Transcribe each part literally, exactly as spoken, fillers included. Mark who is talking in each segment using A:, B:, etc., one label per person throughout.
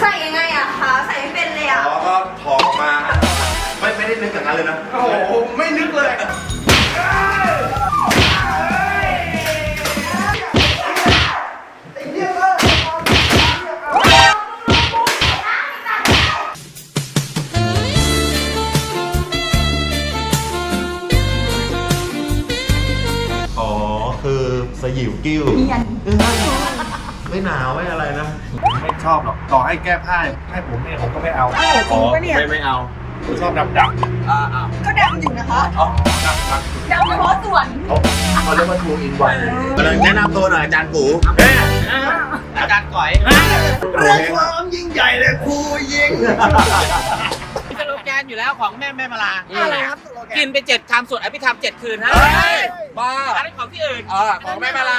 A: ใส่ยังไงอะคะใส่ไม่เป็นเลยอะ
B: อ๋อก็ถอดออกมาไม่ไม่ได้นึกอย่างนั้นเลยนะ
C: โอ้โหไม่นึกเลย
B: อ๋อคือสยิวกิ้วไม่หนาวไม่อะไรนะ
C: ไม่ชอบหรอกต่อให้แก้ผ้าให้ผมเนี่ยผมก็ไม่เอา
A: จริงปะเนี่ย
B: ไม่ไม่เอา
C: ผมชอบดำดำ
B: อ่าอ่า
A: ก็ดำอยู่นะคะ
B: อ๋อ
C: ดำดำ
A: ดำเฉพาะส่วน
B: เขาเขาเรียกว่าทูอินวันแนะนำตัวหน่อยอาจารย์กูอาจารย์ก๋อย
C: เรื่องความยิ่งใหญ่เลยครูยิง
D: สโลแกนอยู่แล้วของแม่แม่มาลา
A: อะไรครับ
D: กินไปเจ็ดคำสวดอภิธรรมเจ็ดคืนฮะ
B: บ้า
D: อันนี้ของที่อื่น
B: เออของแม่มาลา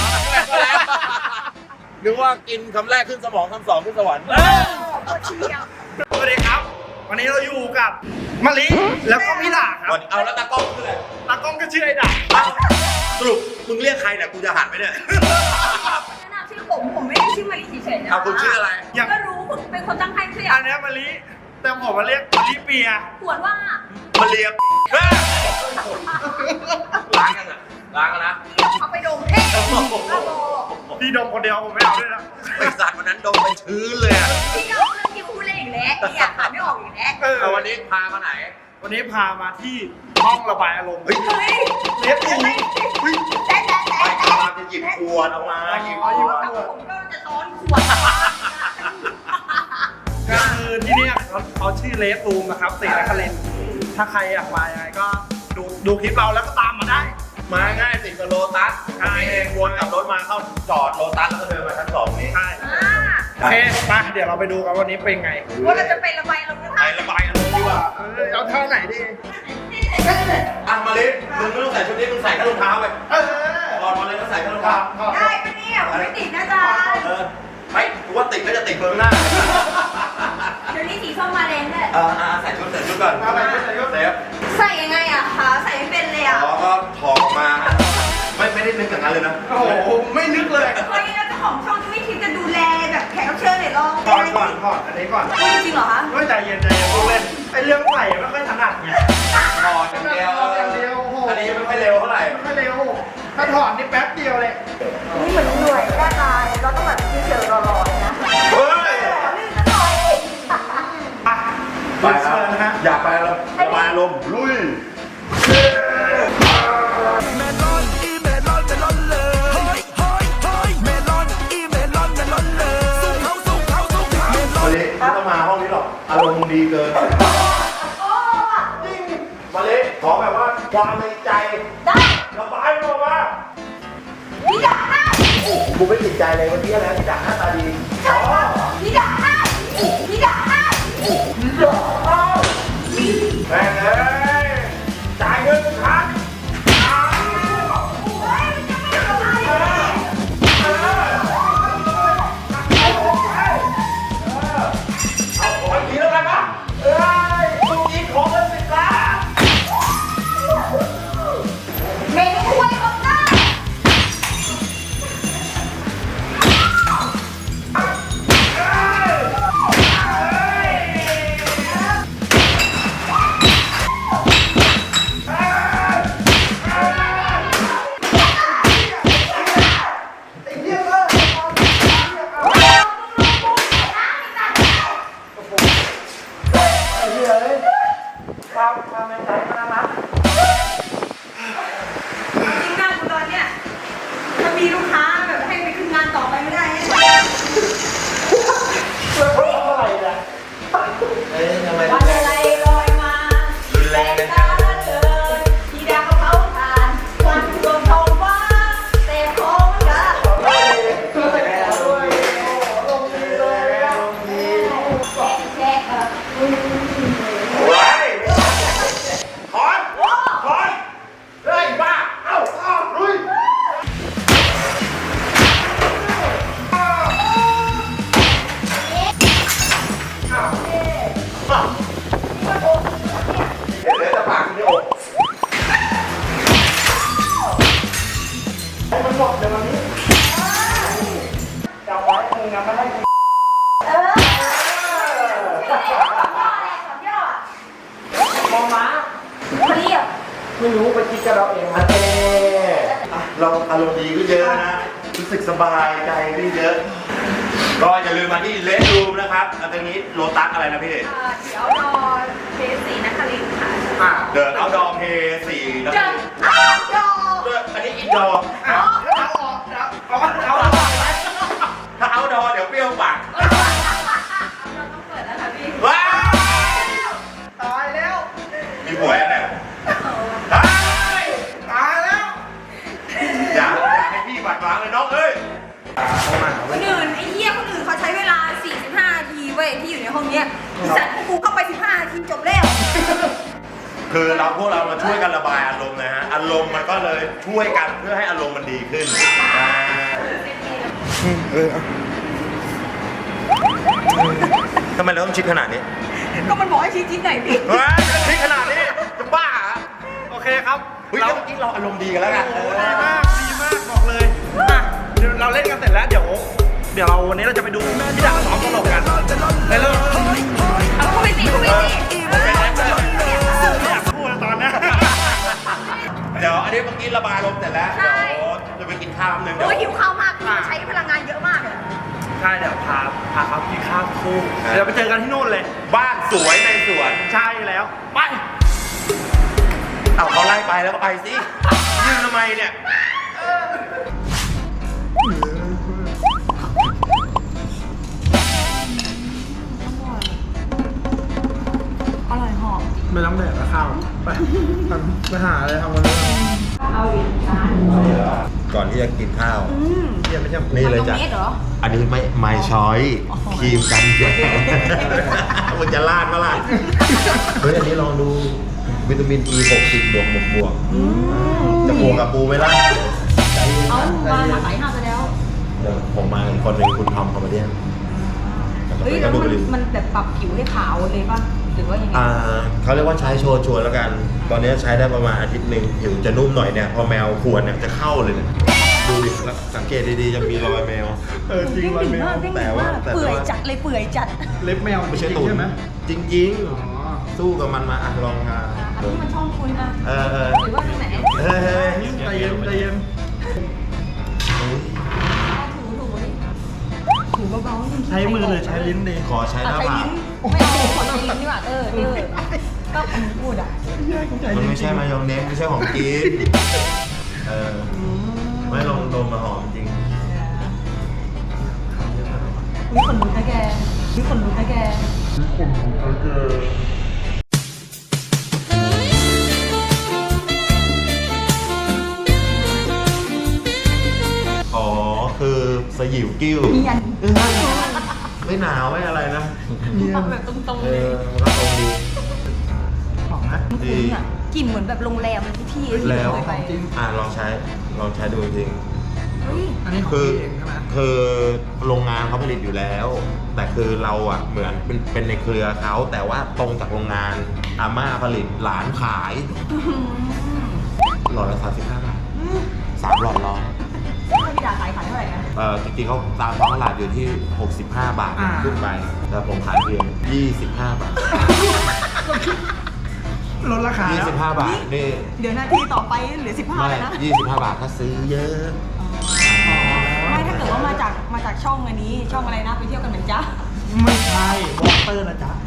B: นึกว่ากินคำแรกขึ้นสมองคำสองขึ้นสวรรค์
C: สวัสดีครับ วันนี้เราอยู่กับมะลิแล้วก็มิลาครับ
B: เอาแล้วตากล้องคืออะไร
C: ตากล้องก็ชื่อไอ้ด่า
B: สรุปมึงเรียกใครเนี่ยกูจะหันไหมเนี่ย
A: แนะนำชื่อผมผมไม่ได้ชื่อมาริเฉยๆนะ
B: เอาคุณชื่ออะไร
C: อย่าง
A: ก็รู้คุณเป็นคนตั้งให้ใช่ไหม
C: อันเนี้ยมะลิแต่ผมมาเรียกมะลิเปีย
A: ขวดว่า
B: มาเรียกล้างกันอ่ะล้างกันนะ
A: เอาไปดมเอ๊ะบ้าบอ
C: พี่ดมคนเดียวผมไม่เอาด้วยนะ
B: ไอสัตว์วันนั้นโดนไปชื้นเลยอ่ะ
A: พี่ดมเรื่องที่พูดเล่นอีกแล้วเนี่ยขายไม่ออกอีกแล้ว
C: เออ
B: เอาวันนี้พามาไหน
C: วันนี้พามาที่ห้องระบายอารมณ์
B: เฮ้ย
A: เฮ้ย
C: เรียกตู
A: เฮ้ยแต่แต่แต่
B: ไป
A: แต่
B: พาจะหยิบขวดออกมาหยิบ
A: อ๋อกับผมก็จะซ้อนขวด
C: ก็คือที่เนี่ยเขาเขาชื่อเลสตูมนะครับเสกนครินทร์ถ้าใครอยากมายังไงก็ดูดูคลิปเราแล้วก็ตามมาได้
B: มาง่ายสิกับโลตัสใช่เองวนกับรถมาเข้าจอดโลตัสแล้วก็เดินมาชั้นสองนี้
C: ใช่
A: อ่า
C: โอเคไปเดี๋ยวเราไปดูกันวันนี้เป็นไง
A: ว่าเราจะไประบายลมกัน
B: ไประบายอารมณ์ดีกว่า
C: เออเอาเท่าไหนดี
B: อ่ะมาลิมึงไม่ต้องใส่ชุดนี้มึงใส่แค่รองเท้าไป
C: เออ
B: ถอดมาเลยก็ใส่แค่รองเท้า
A: ได้ปะเนี่ยผมไม่ติดนะจ๊ะ
B: เออไม่กูว่าติดก็จะติดเบอร์หน้า
A: เดี๋ยวนี้สีส้มมาแรงด้วย
B: เออใส่ชุดใส่ชุดก่อน
C: เอาไปใส่ก็
B: เซฟ
A: ใส่ยังไงอะคะใส่ไม่เป็นเลยอะ
B: อ๋อก็ถอดออกมาไม่ไม่ได้นึกอย่างนั้นเลยนะ
C: โอ้โหไม่นึกเลย
A: เฮ้ยแล้วเจ้าของช่องจะไม่คิดจะดูแลแบบแขกรับเชิญหน่อยลอง
C: ถอดก่อนถอดอันนี้ก่อน
A: พูดจริงเหรอคะ
C: ไม่ใจเย็นใจเย็นพูดเล่นไอเรื่องใส่ไม่ค่อยถนัดไง
B: ถอดอย่างเดียว
C: ถอดอย่างเดียวโอ้โห
B: อันนี้ไม่ค่อยเร็วเท่าไหร่
C: ไม่เร็วถ้าถอดนี่แป๊บเดียวเลย
A: นี่เหมือนหน่วยด้านลายเราต้องแบบเฉยๆรอๆนะ
B: เฮ้ย
A: ขอลื่นซะหน่อย
C: อ่ะ
B: ไปครั
C: เชิญนะฮะ
B: อยากไประบายอารมณ์ลุย
E: เมลอนอีเมลอนเมลอนเลยเฮ้ยเฮ้ยเฮ้ยเมลอนอีเมลอนเมลอนเลยสู้เขาสู้เขาสู้เขา
B: มาลิไม่ต้องมาห้องนี้หรอกอารมณ์มึงดีเกิน
A: โอ้
B: มาลิขอแบบว่าความในใจ
A: ได้
B: ระบายมันออกมา
A: พี่ด่าได้
B: กูไม่ติดใจเลยวันนี้แล้วที่ด่าหน้าตาดี
A: ใช่ค่ะพี่ด่าได้พี่ด่าได้
B: แม่งเอ้ยจ่ายเงินทุกครั้ง
A: โอ้ยมันจะไม่ทำอะไรเลย
B: เอาขออีกทีแล้วกันนะเอ้ยลูกนี้ขอเงินสิบล้าน
A: เมนูถ้วยของหน้า
C: ความความในใจมันน่ารัก
A: จริงหน้ากูตอนเนี้ยถ้ามีลูกค้าแบบให้ไปขึ้นงานต่อไปไม่ได้นะ
C: เท่าไหร่เนี่ย
B: เอ้ยทำไม
A: วันอะไรลอยมา
B: รุนแรงเลย
A: ตาเกินที่ดาวเขาทานวันโดนทองฟ้าแต่ของกะ
C: ลงดีเลยอ่ะ
A: แชะแชะเออ
B: ไว้ถอนถอนเฮ้ยบ้า เอ้าเอ้าลุย เดี๋ยวจะปากคุณโยก
C: ให้มันหมดเดี๋ยววันนี้จำไว้มึงยังไม่ให้กู
A: เออ
C: รู้ไปคิดกันเราเอง
B: โอ
C: นะ
B: เคเราอารมณ์ดีก็เยอะนะ รู้สึกสบายใจก็เยอะ ก็อย่าลืมมาที่เลสรูมนะครับอันนี้โลตัสอะไรนะพี่
A: เดี๋ยวรอเคสสีนครินทร์ค่ะ
C: อ่ะ
B: เดินเอาดอเพย์สี่นะ
A: เดินเอาดอ
B: เดินอันนี้อินดอร์
C: เอาเอาออกเอาเอาเอาออกไหม
B: ถ้าเอาดอเดี๋ยวเปรี้ยวปาก
A: เราต้องเปิดแล้วค่ะพี่
B: ว้าว
C: ตายแล้ว
B: มีหวยอะไรตาย
C: ตายแล้ว
B: อย่าอย่าให้พี่บาดหมางเลยน้องเอ้ย
C: เอามา
A: คนอื่นไอ้เหี้ยคนอื่นเขาใช้เวลา สี่สิบห้า นาทีเว้ยที่อยู่ในห้องเนี้ยสัตว์กูเข้าไป สิบห้า นาทีจบแล้ว
B: คือเราพวกเรามาช่วยกันระบายอารมณ์นะฮะอารมณ์มันก็เลยช่วยกันเพื่อให้อารมณ์มันดีขึ้นอ่าทำไมเราต้องชิดขนาดนี้
A: ก็มันบอกให้ชี้จิ้นหน่อยพี่
B: เฮ้ยชิดขนาดนี้จะบ้าเหรอ
C: โอเคครับ
B: เฮ้ย
C: เรา
B: เมื่อกี้เราอารมณ์ดีกันแล้วไง
C: โอ้ดีมากดีมากบอกเลยอ่ะเดี๋ยวเราเล่นกันเสร็จแล้วเดี๋ยวเดี๋ยวเราวันนี้เราจะไปดูพี่ดาซ้อมตลกกันไปเลย
A: เอาเข้าไปสิเข้าไปสิ
C: ไม่อยากพูดแล้วตอนเนี้ย
B: เดี๋ยวอันนี้เมื่อกี้ระบายอารมณ์เสร็จแล้วเดี๋ยวจะไปกินข้าวนึงเดี๋ยว
A: โอ้ยหิวข้าวมากพี่ใช้พลังงานเยอะมากเลย
C: ใช่เดี๋ยวพาพาเขากินข้าวคู่เดี๋ยวไปเจอกันที่นู่นเลย
B: บ้านสวยในสวน
C: ใช่แล้วไป
B: เอาเขาไล่ไปแล้วก็ไปสิยืนทำไมเนี่ย
A: อร่อยหอม
C: ไม่ต้องแดกแล้วข้าวไปไปหาอะไรทำกันเลย
A: เอาอีกจาน
B: ก่อนที่จะกินข้าว
A: อืม
C: เยี่ยมไม่ใช่
B: นี่เลยจ้ะ
A: มายองเนสเหรอ
B: อันนี้ไม่ไม่ช้อยครีมกันแดดมันจะลาดมาล่ะเฮ้ยอันนี้ลองดูวิตามิน อี หกสิบบวกบวกบวกจะบวกกับปูไหมล่ะ
A: เอามามาใส่ห้าไปแล้ว
B: เดี๋ยวผมมาอีกคนหนึ่งคุณทอมคอมเมดี้
A: เฮ้ยแล้วมันมันแบบปรับผิวให้ขาวเลยป่ะหรือว่ายังไง
B: อ่าเขาเรียกว่าใช้โชว์ชวนแล้วกัน ตอนนี้ใช้ได้ประมาณอาทิตย์หนึ่งผิวจะนุ่มหน่อยเนี่ยพอแมวขวนเนี่ยจะเข้าเลยเนี่ยดูดิแล้วสังเกตดีๆจะมีรอยแมว
C: เออจริงเลยแมว
B: แต่ว่าแต่ว่า
A: เปื่อยจัดเลยเปื่อยจัด
C: เล็บแมว
B: ไม่ใช่ตู
C: จริง
B: ด
C: ใช่ไหม
B: จริง
C: อ๋อ
B: ๆ สู้กับมันมาอ่ะลองทา
A: อันนี้มันช่องคุณอะ
B: เออเออ
A: หรือว่าที่ไหน
B: เฮ้ยเฮ้ย
C: ใจเย็นใจเย็น
A: ถูถูดิถูเบาๆจริงๆ
C: ใช้มือหรือใช้ลิ้นดี
B: ขอใช้ห
A: อ่ะ
B: น้า
A: ใช้
B: ผาก
A: ลิ้นไม่เอาขอใช้ลิ้นดีกว่าเออเออก็ผมพูดอ่ะ
B: มันไม่ใช่มายองเนสไม่ใช่ของกินเออไม่ลองดมมาหอมจริง
A: มีคนรู้นะแกมีคนรู้นะแก
B: อ๋อคือสยิวกิ้ว
A: เนียน
B: ไม่หนาวไม่อะไรนะ
A: ทำแบบตรงๆ
B: เอ
A: เลย
B: อมันก็ตรงดี
C: หอมนะ
A: มันคุ้นอ่ะกลิ่นเหมือนแบบโรงแรมที่ที่ที่
B: แล้ว
A: เคยไป
B: อ่าลองใช้ลองใช้ดูจริง
A: เฮ้ย
C: อันนี้ของ
B: คือ
C: พี่เองใช่ไหม
B: คือโรงงานเขาผลิตอยู่แล้ว แต่คือเราอ่ะเหมือนเป็นเป็นในเครือเขาแต่ว่าตรงจากโรงงานอาม่าผลิตหลานขายหลอดละสามสิบห้าบาทสามหลอดร้อย
A: ถ้าพี่ดาขายขายเท่าไหร่นะ
B: เอ่อจริงๆเขาตามท้องตลาดอยู่ที่หกสิบห้าบาทขึ้นไปแต่ผมขายเพียงยี่สิบห้าบาท
C: ลดราคา
B: ยี่
C: แล้ว
B: สิบห้าบาทนี่
A: เดี๋ยวนาทีต่อไปเหลือสิบห้า
B: ไม่
A: เลยนะ
B: ยี่สิบห้าบาทถ้าซื้อเยอะ
A: ไม่ถ้าเกิดว่ามาจากมาจากช่องอันนี้ช่องอะไรนะไปเที่ยวกันเหมือนจ้า
C: ไม่ใช่วอเตอร์นะจ๊ะ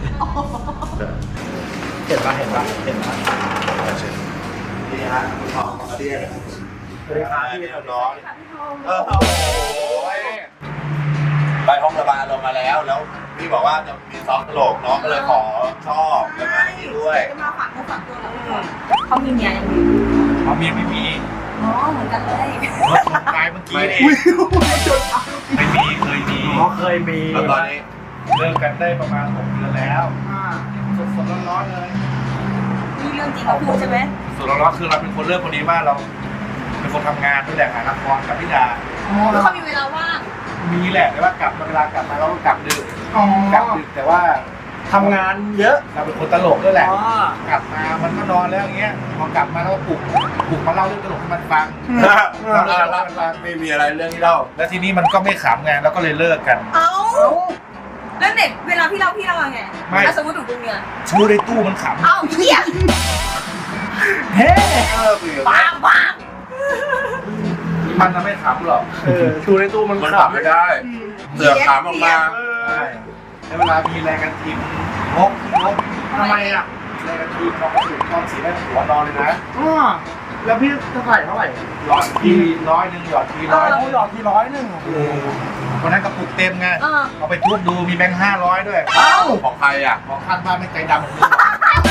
C: เห็นปะเห็นปะเห็นปะ
B: นี่ฮะคุณทองมาเรียก
C: สวัสดีครับพี่
B: น้องเออโอ้ยไปห้องระบายอารมณ์มาแล้ว แล้วพี่บอกว่าจะมีซ้อมตลกน้องก็เลยขอชอบแล้วมาที่ด้วย
A: จะมาฝากมือฝากตัวเราด้วยเขามีเมียยังมี
C: เขาเมียไม่มี
A: อ๋อเหมือนกันเลย
C: กายเมื่อกี้นี่ไม่มีเคยมีอ๋อเคยมี
B: แล้วตอนนี้
C: เลิกกันได้ประมาณหกเดือนแล้วสดสดร้อนๆเลย
A: นี่เรื่องจริงเขาพูดใช่ไหม
C: สดร้อนๆคือเราเป็นคนเริ่มคนนี้ว่าเราเป็นคนทำงานด้วยแหละหาละครกับพี่ดา
A: แล้วเขามีเวลาว่าง
C: มีแหละแต่ว่ากลับมาเวลากลับมาเราก็กลับดึกกลับดึกแต่ว่าทำงานเยอะเราเป็นคนตลกด้วยแหละกลับมามันก็นอนแล้วอย่างเงี้ยพอกลับมาเราก็ปลุกปลุกมาเล่าเรื่องตลกให้มันฟังเราเล่าเรื่องให้มันฟัง
B: ไม่มีอะไรเรื่องที่เล่า
C: แล้วทีนี้มันก็ไม่ขำไงแล้วก็เลยเลิกกัน
A: เอ้าแล้วเน็ตเวลาพี่เล่าพี่เล่าไง
C: ไม่
A: แล้วสมมติถูกดูเมีย
C: ชูในตู้มันขำ
A: เอ้าเหี้ย
C: เฮ้เออเปลี่ยน
A: ปังปัง
C: มันจะไม่ขำหรอกเออชูในตู้มัน
B: มัน
C: ขำ
B: ขับไม่ได้เสือกขามออกมา
C: ใช่ในเวลามีแรงกันทีมงกงกทำไมอ่ะแรงกันทีมนอนสูงนอนสีได้หัวนอนเลยนะอ๋อแล้วพี่จะใส่เท่าไหร่หยอดทีร้อยหนึ่งหยอดทีร้อยหยอดทีร้อยหนึ่งโอ้วันนั้นกระปุกเต็มไงเอาไปทุบดูมีแบงค์ห้าร้อยด้วยเอ้า
B: ของใครอ่ะ
C: ของข้างบ้านไม่ใจดำเหมือนกัน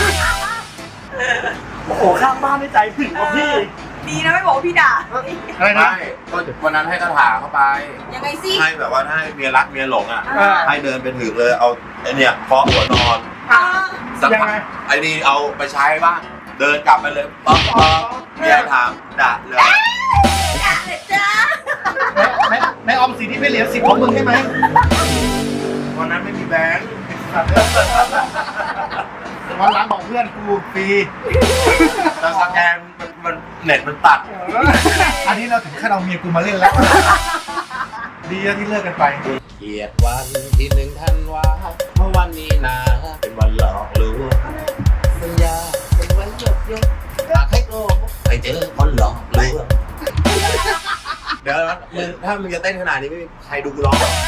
C: โอ้โหข้างบ้านไม่ใจถึงว่ะพี่
A: ดีนะไม่บอกว่าพี่ด่า
C: อะไรนะ
B: ไม่ก็วันนั้นให้คาถาเข้าไป
A: ยังไงสิ
B: ให้แบบว่าให้เมียรักเมียหลงอ่ะ
A: อ่า
B: ให้เดินไปถึงเลยเอาไอเนี่ยเคาะหัวนอน
A: อ่า
B: สัก
C: ยัง
B: พัก
C: ไง
B: ไอ้นี่เอาไปใช้บ้างเดินกลับไปเลยป๊อกป๊อกเมียถามด่าเลย
A: ด่าเลยจ้า
C: ในในออมสินที่ไม่เหลือสิบของมึงใช่ไหมวันนั้นไม่มีแบงค์วันหลังบอกเพื่อนกูฟรี
B: แต่สแกนมันมันเน็ตมันตัด
C: อันนี้เราถึงขั้นเอาเมียกูมาเล่นแล้ว ดีแล้วที่เลิกกันไป
D: เกียรติวันที่หนึ่งธันวาเมื่อวันนี้นะเป็นวันหลอกลวงสัญญาเป็นวันหยดหยดอยากให้โลกไปเจอคนหลอกลวง
B: เดี๋ยวนะมึงถ้ามึงจะเต้นขนาดนี้ไม่มีใครดูกูร้องหรอก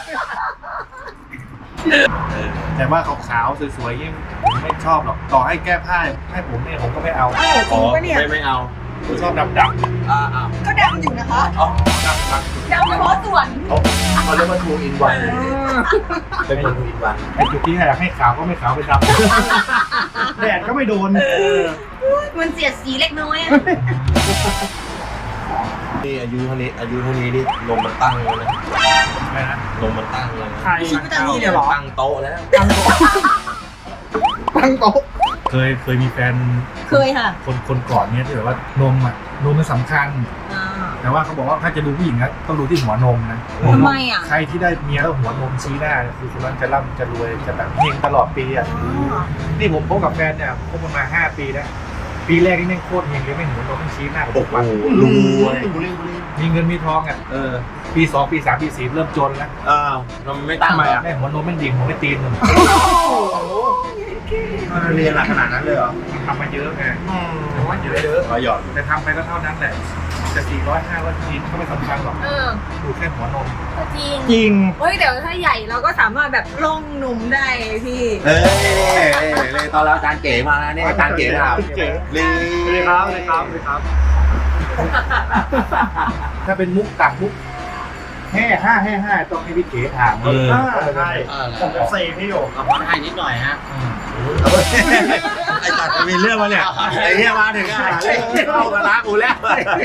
C: แต่ว่าขาวๆสวยๆยิ่งผมไม่ชอบหรอก ต่อให้แก้ผ้าให้ผมเนี่ยผมก็ไม่เอา
A: เออจริงปะเนี่ย
B: ไม่ไม่เอา
C: ผมชอบดำ
B: อ่าอ่า
A: ก็ดำอยู่นะคะ
B: อ๋อ
C: ๆดำๆ
A: ดำเฉพาะส่วน
B: เขาเขาเรียกว่าทูอินวันเป็นทูอินวัน
C: ไอ้จุดที่อยากให้ขาวก็ไม่ขาวไปดำ แดดก็ไม่โดน
A: มันเสียดสีเล็กน้อยอะ
B: นี่อายุเท่านี้อายุเท่านี้นี่นมมันตั้งแล้วนะ
C: อะไรนะ
B: นมมันตั้งแล้วนะ
C: ใคร
A: ตั้งนี่เลยเหรอ
B: ตั้งโต๊ะแล้ว
C: ตั้งโต๊ะเคยเคยมีแฟน
A: เคยค่ะ
C: คนคนก่อนเนี่ยที่แบบว่านมอ่ะนมมันสำคัญ
A: อ่า
C: แต่ว่าเขาบอกว่าถ้าจะดูผู้หญิงนะต้องดูที่หัวนมนะ
A: ทำไมอ่ะ
C: ใครที่ได้เมียแล้วหัวนมชี้หน้าคือคนนั้นจะร่ำจะรวยจะแบบเฮงตลอดปีอ่ะ นี่ผมพบกับแฟนเนี่ยพบกันมาห้าปีแล้วปีแรกนี่แม่งโคตรเฮงเลยแม่งหัวนมแม่งชี้หน้าผม
B: โอ้
C: ทุก
B: โห
C: วัน
B: รวย
C: มีเงินมีทองอ่ะ
B: เออ
C: ปีสองปีสามปีสี่เริ่มจนแล้ว
B: อ้าวทำไมไม่ตั้ง
C: ทำไม
B: อ่ะ
C: อ่ะแม่งหัวนมแม่งดิ่งหัวไม่ตีนเลย
B: เรียนหนักขนาดนั้นเลยเหรอ
C: ทำมาเยอะไงแต่ว่าเยอะเยอะ
B: ขอหยอด
C: แต่ทำไปก็เท่านั้นแหละจะสี่ร้อยห้าร้อยทีก็ไม่สำคัญหรอก
A: เออ
C: ดูแค่หัวนม
A: จริง
C: จริง
A: เฮ้ยเดี๋ยวถ้าใหญ่เราก็สามารถแบบล่องนมได้พี่
B: เฮ้ยเลยตอนแล้วอาจารย์เก๋มาแล้วเนี่ยอาจารย์เก๋ถามลี
C: ถ้าเป็นมุกต่างมุกแห่ห้าแห่ห้าต้องให้พี่เก๋ถาม
B: เออ
C: ใช่ผมจะเซพี่อยู่
D: เอาพันให้นิดหน่อยฮะ
B: ไอ้ตัดจะมีเรื่องมาเนี่ยไอ้เหี้ยมาถึงอ่ะเข้ากันละกูแล้ว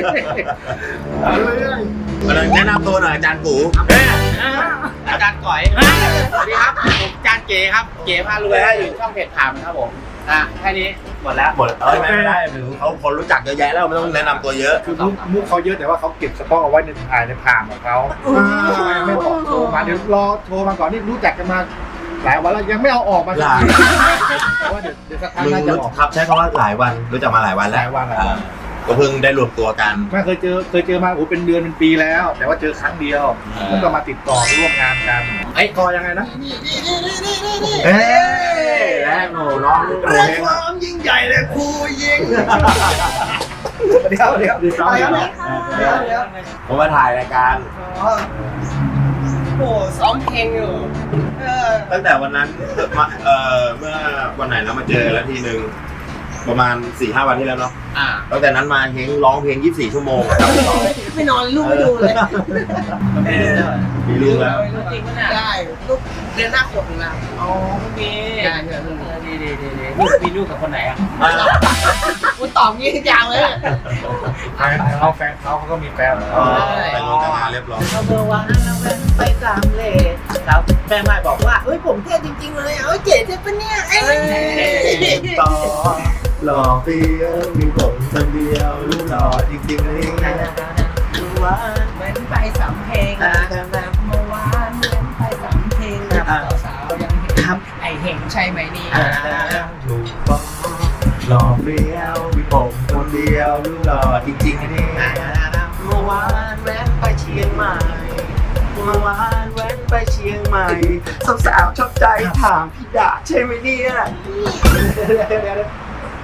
B: แนะนำตัวหน่อยอาจารย์กู
D: อาจารย์ก๋อยสวัสดีครับผมอาจารย์เก๋ครับเก๋พารวยอยู่ช่องเพจถามครับผมอ่ะแค่นี้หมดแล้ว
B: หมดเอ้ยไม่ได้หรือเขาคนรู้จักเยอะแยะแล้วไม่ต้องแนะนำตัวเยอะ
C: คือมุกมุกเขาเยอะแต่ว่าเขาเก็บสต็อกเอาไว้ในถ่ายในผ่านของเขาไม่บอกโทรมาเดี๋ยวรอโทรมาก่อนนี่รู้จักกันมาหลายวันแล้วยังไม่เอาออกมา
B: หลาย
C: แต่ว่าเดี๋ยวเดี๋ยวสักพัก
B: มึง
C: น่าจะ
B: รู้
C: ออก
B: ครับใช้คำว่าหลายวันรู้จักมาหลายวันแล้ว
C: หลายวันหลายวัน
B: อ่าก็เพิ่งได้รวมตัวกัน
C: ไม่เคยเจอเคยเจอมาโอ้เป็นเดือนเป็นปีแล้ว แต่ว่าเจอครั้งเดียว
B: อ่า
C: แล้วก็มาติดต่อร่วมงานกันไอ้กอยังไงนะ
B: เอ้ยแรกโหร้องโหเฮง
C: ความยิ่งใหญ่เลยครูยิงเดี๋ยวเดี๋ยวเดี๋ยวเดี๋ยวเดี๋ยวเดี๋ยว
B: ผมมาถ่ายรายการ
D: โอ้ซ้อมเพลงอยู่
B: ตั้งแต่วันนั้นมาเอ่อเมื่อวันไหนแล้วมาเจอกันแล้วทีนึงประมาณ สี่ห้า วันที่แล้วเนาะ
D: อ่า
B: ตั้งแต่นั้นมาเฮงร้องเพลงยี่สิบสี่ชั่วโมง
A: ไม่นอนลูกไม่ดูเลย
B: มีลูกแล้ว
D: จริงปะเนี่ยได้ลูกเรียนหน้าขวบหนึ่งแล้วอ๋อมีได้เถอะดีดีดีดีลูกมีลูกกับคนไหนอ่ะคุณตอบงี้ทุกอย่างเลย
C: แฟนเขาแฟนเขาเขาก็มีแฟน
B: อ๋อแต่งงแต่งงานเรียบร้อย
D: เราเบอร์วางแล้วแม่ไปตามเลทครับแม่ไม่บอกว่าเอ้ยผมเท่จริงๆเลยเอ้ยเจ๋เท่ปะเนี่ยเอ้ย
B: ต่อหล่อเฟี้ยวมีผมคนเดียวลูกหล่อจริงๆเลย
D: ดูว่าเหมือนไปสามเพลงแบบเมื่อวานเหมือนไปสามเพลงสาวๆยังเห็นครับไอเห็นใช่ไหมนี่
B: ถูกต้องหล่อเฟี้ยวมีผมคนเดียวลูกหล่อจริงๆนี่
D: เมื่อวานแวะไปเชียงใหม่เมื่อวานแวะไปเชียงใหม่สาวๆชอบใจถามพี่ดาใช่ไหมเนี่ย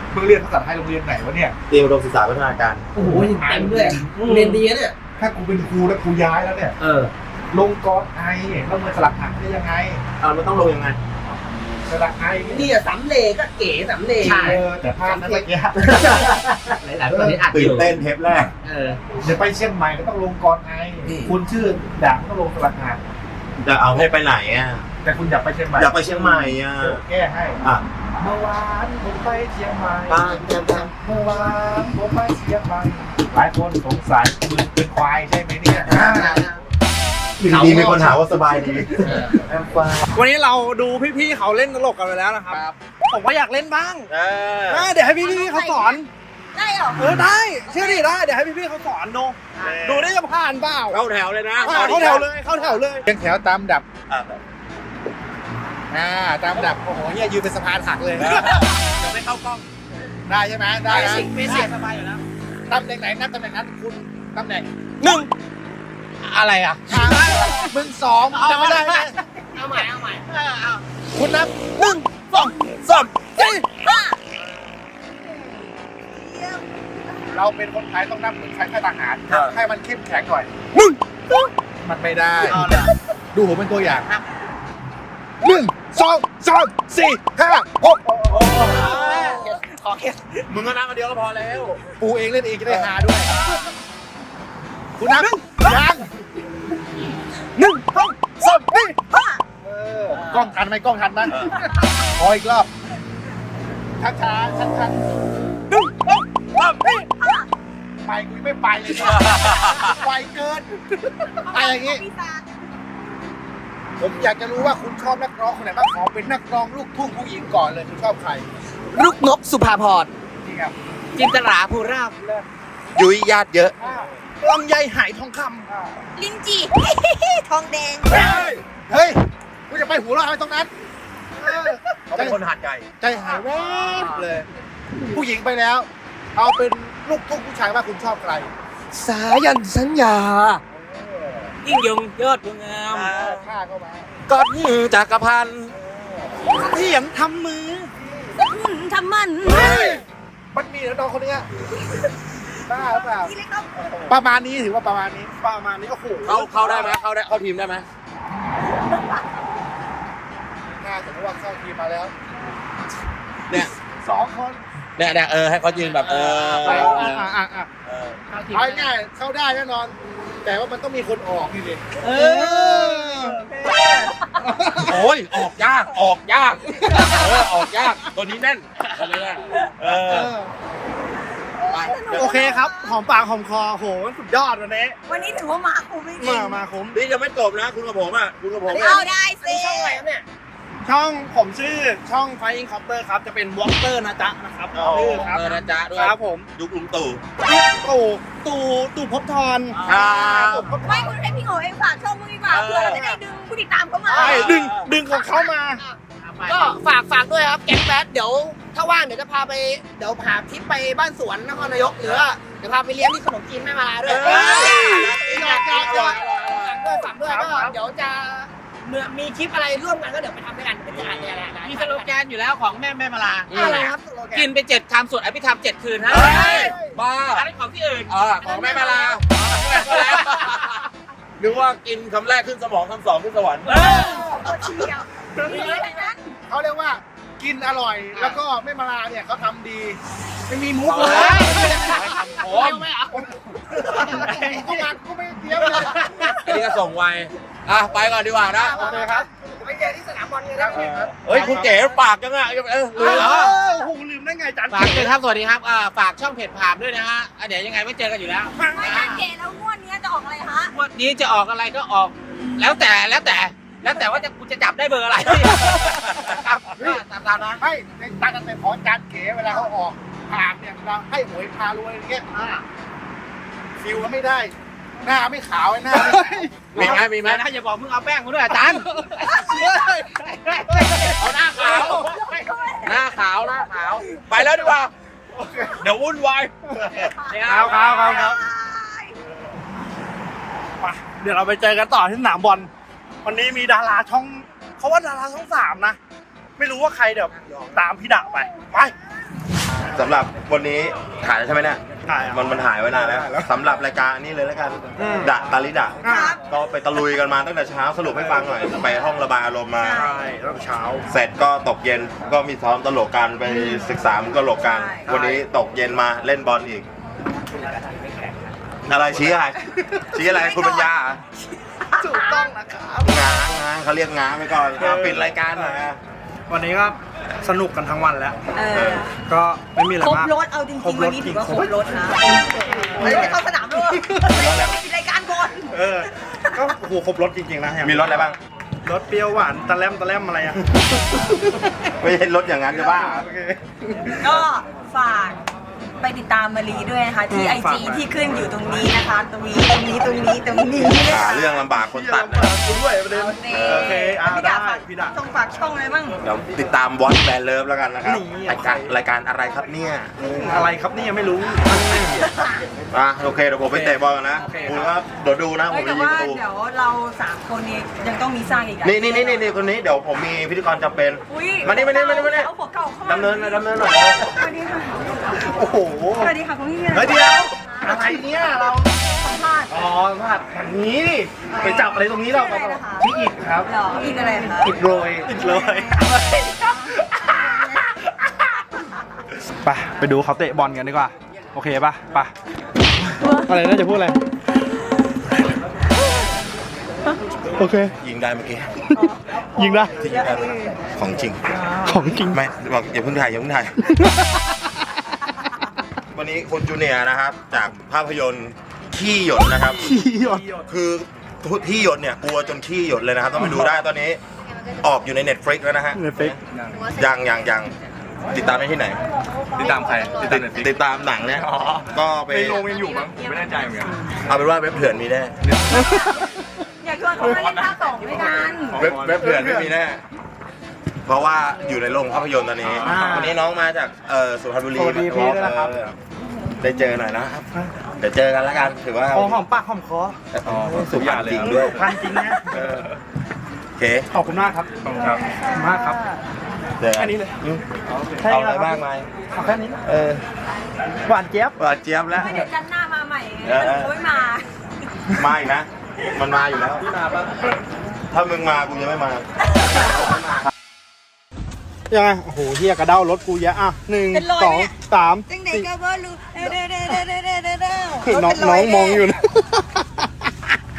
C: มึงเรียนภาษาไทยโรงเรียนไหนวะเนี่ย
B: เตรียมอุดมศึกษาพัฒนาการ
F: โอ้โหเต็มด้วยเรียนดีนะเนี่ย
C: ถ้ากูเป็นครูแล้วครูย้ายแล้วเนี่ย
F: เออ
C: ลงกรไอแล้วมันสลักหักได้ยังไง
B: เอามันต้องลงยังไง
C: สลักไอ
F: นี่อะสำเลก็เก๋สำเล
C: เออแต่พลาดนะเมื่อกี้
F: หลายๆคนนี้อัดอ
B: ตื่น
F: ยู่
B: เต้นเทปแรก
F: เออ
C: เดี๋ยวไปเชียงใหม่ก็ต้องลงกรไอ
F: อืม
C: คุณชื่อด่างต้องลงสลักหัก
B: จะเอาให้ไปไหนอ่ะ
C: แต่คุณอยากไปเชียงใหม่
B: อยากไปเชียงใหม่อ่ะ
C: เดี๋ยวแก้ให้
B: อ่ะ
C: เมื่อวานผมไปเชียงใหม่
B: บ้านจะท
C: เมื่อวานผมไปเชียงใหม่หลายคนสงสัยมึงเป็นควายใช่ไหมเนี่ยอ่า
B: ำดีมีคนถามว่าสบายดี
G: วันนี้เราดูพี่ๆเขาเล่นตลกกันไปแล้วนะครับ ผมก็อยากเล่นบ้าง
B: เออ
G: อ่ะเดี๋ยวให้พี่ๆเขาสอน
A: ได้เหรอ
G: เออได้เชื่อดิได้ เดี๋ยวให้พี่ๆเขาสอนดู ดูได้จะผ่านเปล่า
B: เข้าแถวเลยนะ
G: อ่ะเข้าแถวเลย เข้าแถวเลย
C: เรียงแถวตามดับ
B: อ่ะ
C: อ่าตามดับโอ้โหเฮียยืนเป็นสะพานหักเลย
B: เดี๋ยวไม่เข้ากล้อง
C: ได้ใช่ไหมได้นะ
G: เบสิกสบายอยู่แล้ว
C: ตำแหน่งไหนนับตำแหน่งนั้นคุณตำแหน่ง
G: หนึ่ง
C: อะไรอ่ะมึงสองจำไม่ได้ไหม
F: เอาใหม่เอาใหม่
C: คุณนับ
G: หนึ่งสองสามสี่
A: ห้า
C: เราเป็นคนไทยต้องนับเหมือนใช้ค่ายทหารให้มันเข้มแข็งหน่อย
G: หนึ่ง
C: มันไม่ได้ ดูผมเป็นตัวอย่างหนึ่งสองสามสี่ห้าหก
G: ขอแค่
B: มึงก็นับมาเดียวก็พอแล้ว
C: ปูเองเล่นเองจะได้หาด้วย คุณนับยัง
G: หนึ่งสองสามสี่
A: ห้า
C: เออกล้องทันไหมกล้องทันไหมขออีกรอบช้าช้าชัดชัด
G: หนึ่งสองสามสี่
C: ไปกูยังไม่ไปเลยเนี่ยไวเกินอะไรอย่างงี้
A: ปีศาจ
C: ผมอยากจะรู้ว่าคุณชอบนักร้องคนไหนบ้างขอเป็นนักร้องลูกทุ่งผู้หญิงก่อนเลยคุณชอบใคร
F: ลูกนกสุภาพร
C: จริงครับ
F: จินตราภูราบ
B: ยุ้ยญาติเยอะ
C: อ่า
G: ลำไยหายทองค
C: อ่า
A: ลินจี ทองแดง
C: เฮ้ยเฮ้ยกูจะไปหัวเราะอะไรตรงนั้นเออ
B: เขาเป็นคนหาดใหญ่
C: ใจหายแวบเลย ผู้หญิงไปแล้ว เอาเป็นลูกทุ่งผู้ชายว่าคุณชอบใคร
F: สายันสัญญา ยิ่งยงยอดบัวงาม
C: ฆ่าเข้ามา
B: ก้อนจักรพันธ์
G: ำเถียงทำมือ
A: สกุลทำมัน
C: เฮ้ยมันมีแล้วน้องคนเนี้ยบ้าหรือเปล่า
A: ที่เล็กต้อง
C: ประมาณนี้ถือว่าประมาณนี้
G: ประมาณนี้โอ้โห
B: เข้าเข้าได้ไหมเข้าได้เข้าทีมได้ไหม
C: ถ้าสมมติว่าเข้าทีมมาแล้ว
B: เนี่ย
C: สองคน
B: เนี่ยเนี่ยเออให้เขายืนแบบเออ
C: อ่ะอ่ะอ่ะอ่ะ
B: เออ
C: เอาง่ายๆเข้าได้แน่นอน แต่ว่ามันต้องมีคนออกนี่ดิ
G: เออ
B: โอ้ยออกยากออกยากเออออกยากตัวนี้แน่นอะไรเงี้ยเอ
C: เอ
B: อ
C: อ
G: โอเคครับ หอมปากหอมคอโหสุดยอดวันนี้
A: วันนี้ถือว่ามาคุ้มจริง
G: มามาคุ้ม
B: นี่ยังไม่จบนะคุณกับผมอ่ะคุณกับผมเนี่ย
A: เอาได้สิ
F: ช่องอะไรครับเนี่ย
G: ช่องผมชื่อช่อง Flying Copter ครับ จะเป็นวอล์กเตอร์นะจ๊ะนะครับ
B: อ๋อ
G: ชื่อครับ
B: เออนะจ๊ะด้วย
G: ครับผม
B: ยุคลุงตู่
G: ตู่ตู่ตู่ภพบทร
B: ครับ
A: ไม่คุณให้พี่โง่เองฝากช่องมึงดีกว่าเพื่อเราจะได้ดึงผู้ติดตามเข้ามา
G: ใช่ดึงดึงของเขามา
F: ก็ฝากฝากด้วยครับแก๊งแบดเดี๋ยวถ้าว่างเดี๋ยวจะพาไปเดี๋ยวพาทริปไปบ้านสวนนครนายกหรือว่าเดี๋ยวพาไปเลี้ยงที่ขนมจีนแม่มาลาด้วย
B: เอ้ย
F: ฝากฝากด้วยฝากด้วยก็เดี๋ยวจะเมื่อมีคลิปอะไรร่วมกันก็เดี๋ยวไปทำด้วยกันเป็นการเนี่ยแหละ
H: มีสโลแกนอยู่แล้วของแม่แม่มาลา
F: อะไรครับสโลแก
H: กิ
F: น
H: นไปเจ็ดคำสวดอภิธรรมเจ็ดคืนฮะ
B: เฮ้ยบ้า
H: อันนี้ของที่อื่น
B: เออของแม่มาลานึกว่ากินคำแรกขึ้นสมองคำสองขึ้นสวรรค์
A: ตัวเชียวมีอะไรนั้น
C: เขาเรียกว่ากินอร่อย แล้วก็ไม่มาลาเนี่ยเขาทำดี ไม่มีมุก
B: เฮ้
C: เลย
B: ย
H: โอ้ยไม่เอา
C: ก็มาก็ไม่เตรียมเลย
B: อันนี้ก็ส่งไวอ่ะไปก่อนดีกว่านะ
C: โอเคครับ
F: ไปเจอที่สนามบอลกันนะ
B: เฮ้ยคุณเก๋ปากจังอ่ะเออลืมเหรอ
G: โอ้โหลืมได้ไงจัน
H: ฝากด้วยครับ สวัสดีครับอ่าฝากช่องเพจผามด้วยนะฮะอ่ะเดี๋ยวยังไงไม่เจอกันอยู่แล้ว
A: ไม่ถ้าเก๋แล้วงวดนี้จะออกอะไรฮะ
H: งวันนี้จะออกอะไรก็ออก แล้วแต่แล้วแต่ แล้วแต่ว่าจะกูจะจับได้เบอร์อะไรครับก็ตามตามนั้น
C: ให้ในตากันเป็นของจานเก๋เวลาเขาออกผ่านเนี่ยเราให้หวยพารวยอย่างเงี้ยฟิลก็ไม่ได้ หน้าไม่ขาวไอ้หน้าไม่ขาว
B: มีไหมมีไหม
H: นะอย่าบอกมึงเอาแป้งมาด้วยอาจารย์
B: เอาหน้าขาว หน้าขาว หน้าขาว ไปแล้วดีกว่า เดี๋ยววุ่นวาย
G: ครับครับครับครับไปเดี๋ยวเราไปเจอกันต่อที่สนามบอลวันนี้มีดาราช่องเขาว่าดาราช่องสามนะ ไม่รู้ว่าใครเดี๋ยวตามพี่ดะไป ไป
B: สำหรับวันนี้ถ่ายแล้วใช่ไหมเนี่ย
G: ถ่ายอ่ะ
B: มันมันถ่ายไว้นานแล้วสำหรับรายการนี้เลยแล้วกัน
G: อืม
B: ดะตาลิดะ
A: ครับ
B: ก็ไปตะลุยกันมาตั้งแต่เช้าสรุปให้ฟังหน่อยไปห้องระบายอารมณ์มา
G: ใช่ตั้งแต่เช้า
B: เสร็จก็ตกเย็นก็มีซ้อมตลกกันไปศึกษามุกตลกกัน
A: ใช่
B: วันนี้ตกเย็นมาเล่นบอลอีก อะไรชี้อะไรชี้อะไรคุณปัญญาเหรอ
G: ถูกต้องนะครับ
B: ง้างง้างเขาเรียกง้างไปก่อนเอาปิดรายการหน่อยอะ
G: วันนี้ก็สนุกกันทั้งวันแล้ว
A: เออ
G: ก็ไม่มีอะไร
A: ครบ
G: มาก
A: รถเอาจ
G: คร
A: ริ
G: บ
A: ง
G: ร
A: ๆ วั
G: ถ
A: นนี้
G: จริ
A: ถื
G: ง
A: อว่าครบรถนะเฮ้ยจะเข้าสนามด้วยปิดรายการก่อน
G: เออ ก็โอ้โหครบรถจริงๆนะอย่าง
B: มีรถอะไรบ้าง
G: รถเปรี้ยวหวานตะแลมตะแลมอะไรอ่ะ
B: ไม่ใช่รถอย่างนั้นจะบ้า
G: โอเค
A: ก็ฝากไปติดตามมารีด้วยนะคะ ที่
G: อื
A: ไอ
G: มฝาก
A: จี
G: ไว้
A: ที่ขึ้นอยู่ตรงนี้นะคะ ตรงนี้ตรงนี้ตรงนี้ตรงนี้
B: หาเรื่องลำบากคนตัดนะ
G: คุณด้วยประเด็น โอเคอ่ะ
A: พี่
G: ได้
A: ดาฝาก
G: พี่ดา
A: ช่องฝากช่องอะไรบ้าง
B: เดี๋ยวติดตามวอตแบนเลิฟแล้วกันนะครับ
G: นี่
B: รายการรายการอะไรครับเนี่ย
G: อะไรครับนี่ยังไม่รู้
B: อ่ะโอเคเดี๋ยวผมไปเตะบอลกันนะ
G: โอเค
B: คุณครับเดี๋ยวดูนะผ
A: เฮ้ย
B: ม
A: แต่
B: จะยิง
A: ว่า
B: ประตู
A: เดี๋ยวเราสามคนเนี่ยยังต้องมีสร้างอีกอะ
B: นี่นี่นี่นี่คนนี้เดี๋ยวผมมีพิธีกรจำเป็น
A: อุ๊ย
B: มานี่มานี่มานี่มานี่
A: เอาหัวเก่าเข้ามา
B: ดำเนินหน่อยดำเนินหน่อย
A: สวัสดีค่ะ
G: โอ้โห
A: สวัสดีค่ะคุณพี่
G: เฮ้ยเดี๋ยวอะไรเนี่ยเรา
A: สัมภาษณ์
G: อ๋อพลาดอย่างนี้ดิไปจับอะไรตรงนี้เรา
A: ชื่ออะไรนะคะ
G: พี่อิดครับ
A: เหรออีกอะไรคะ
G: อิดโรยอิดโรยไปไปดูเขาเตะบอลกันดีกว่า โอเคป่ะไปอะไรน่าจะพูดอะไร โอเค
B: ยิงได้เมื่อกี้
G: ยิงได้
B: ที่ยิงได้ของจริง
G: ของจริง
B: ไม่บอกอย่าเพิ่งถ่ายอย่าเพิ่งถ่าย วันนี้คุณจูเนียร์นะครับ จากภาพยนตร์ขี้หยดนะครับ
G: ขี้หยด
B: คือที่หยดเนี่ยกลัวจนขี้หยดเลยนะครับต้องไปดูได้ตอนนี้ออกอยู่ใน Netflix แล้วนะฮะ
G: Netflix
B: ยังยังยังติดตามได้ที่ไหน
H: ติดตามใครติดตาม Netflix
B: ติดตามหนังเนี่ยก็ไป
H: ในโรงยังอยู่มั้งผมไม่แน่ใจเหมือนกัน
B: เอาเป็นว่าเว็บเถื่อนมีแน่
A: อยากชวนเขามาเล่นภาคสองด้วยกัน
B: เว็บเว็บเถื่อนไม่มีแน่เพราะว่าอยู่ในโรงภาพยนตร์ตอนนี้
G: อ่า
B: วันนี้น้องมาจากเอ่อสุพรรณบุรี
G: สวัสดีพี่ด้วยนะครับ
B: เออได้เจอหน่อยนะครับเดี๋ยวเจอกันแล้วกันถือว่า
G: พอหอมปากหอมคอ
B: อ๋อสุพรรณจริงด้วย
G: พันจริงนะ
B: เออโอเค
G: ขอบคุณมากครับ ขอบคุณครับขอบคุณมากครับ
B: เจอกั
G: แค่นี้เลย
B: อืม
G: แค่
B: เอา
G: นี้
B: อะไร
G: เลย
B: บ้างไหม
G: เอาแค่นี้
B: เออ
G: หวานเจี๊ยบ
B: หวานเจี๊ยบแล้ว
A: ไม่เดี๋ยวจันทร์หน้ามาใหม่ไง
B: เออ
A: มันไม่มา
B: มาอีกนะ มันมาอยู่แล้ว ถ้ามึงมากูจะไม่มา
G: ยังไง โอ้โหเฮียกระเด้ารถกูเยอะอ่ะหนึ่งสองสาม
A: จังเด็กก็บ่รู้เด้อเด้อเด้อเด้อเด้อเด้อเด้อ
G: น้องน้องมองอยู่นะ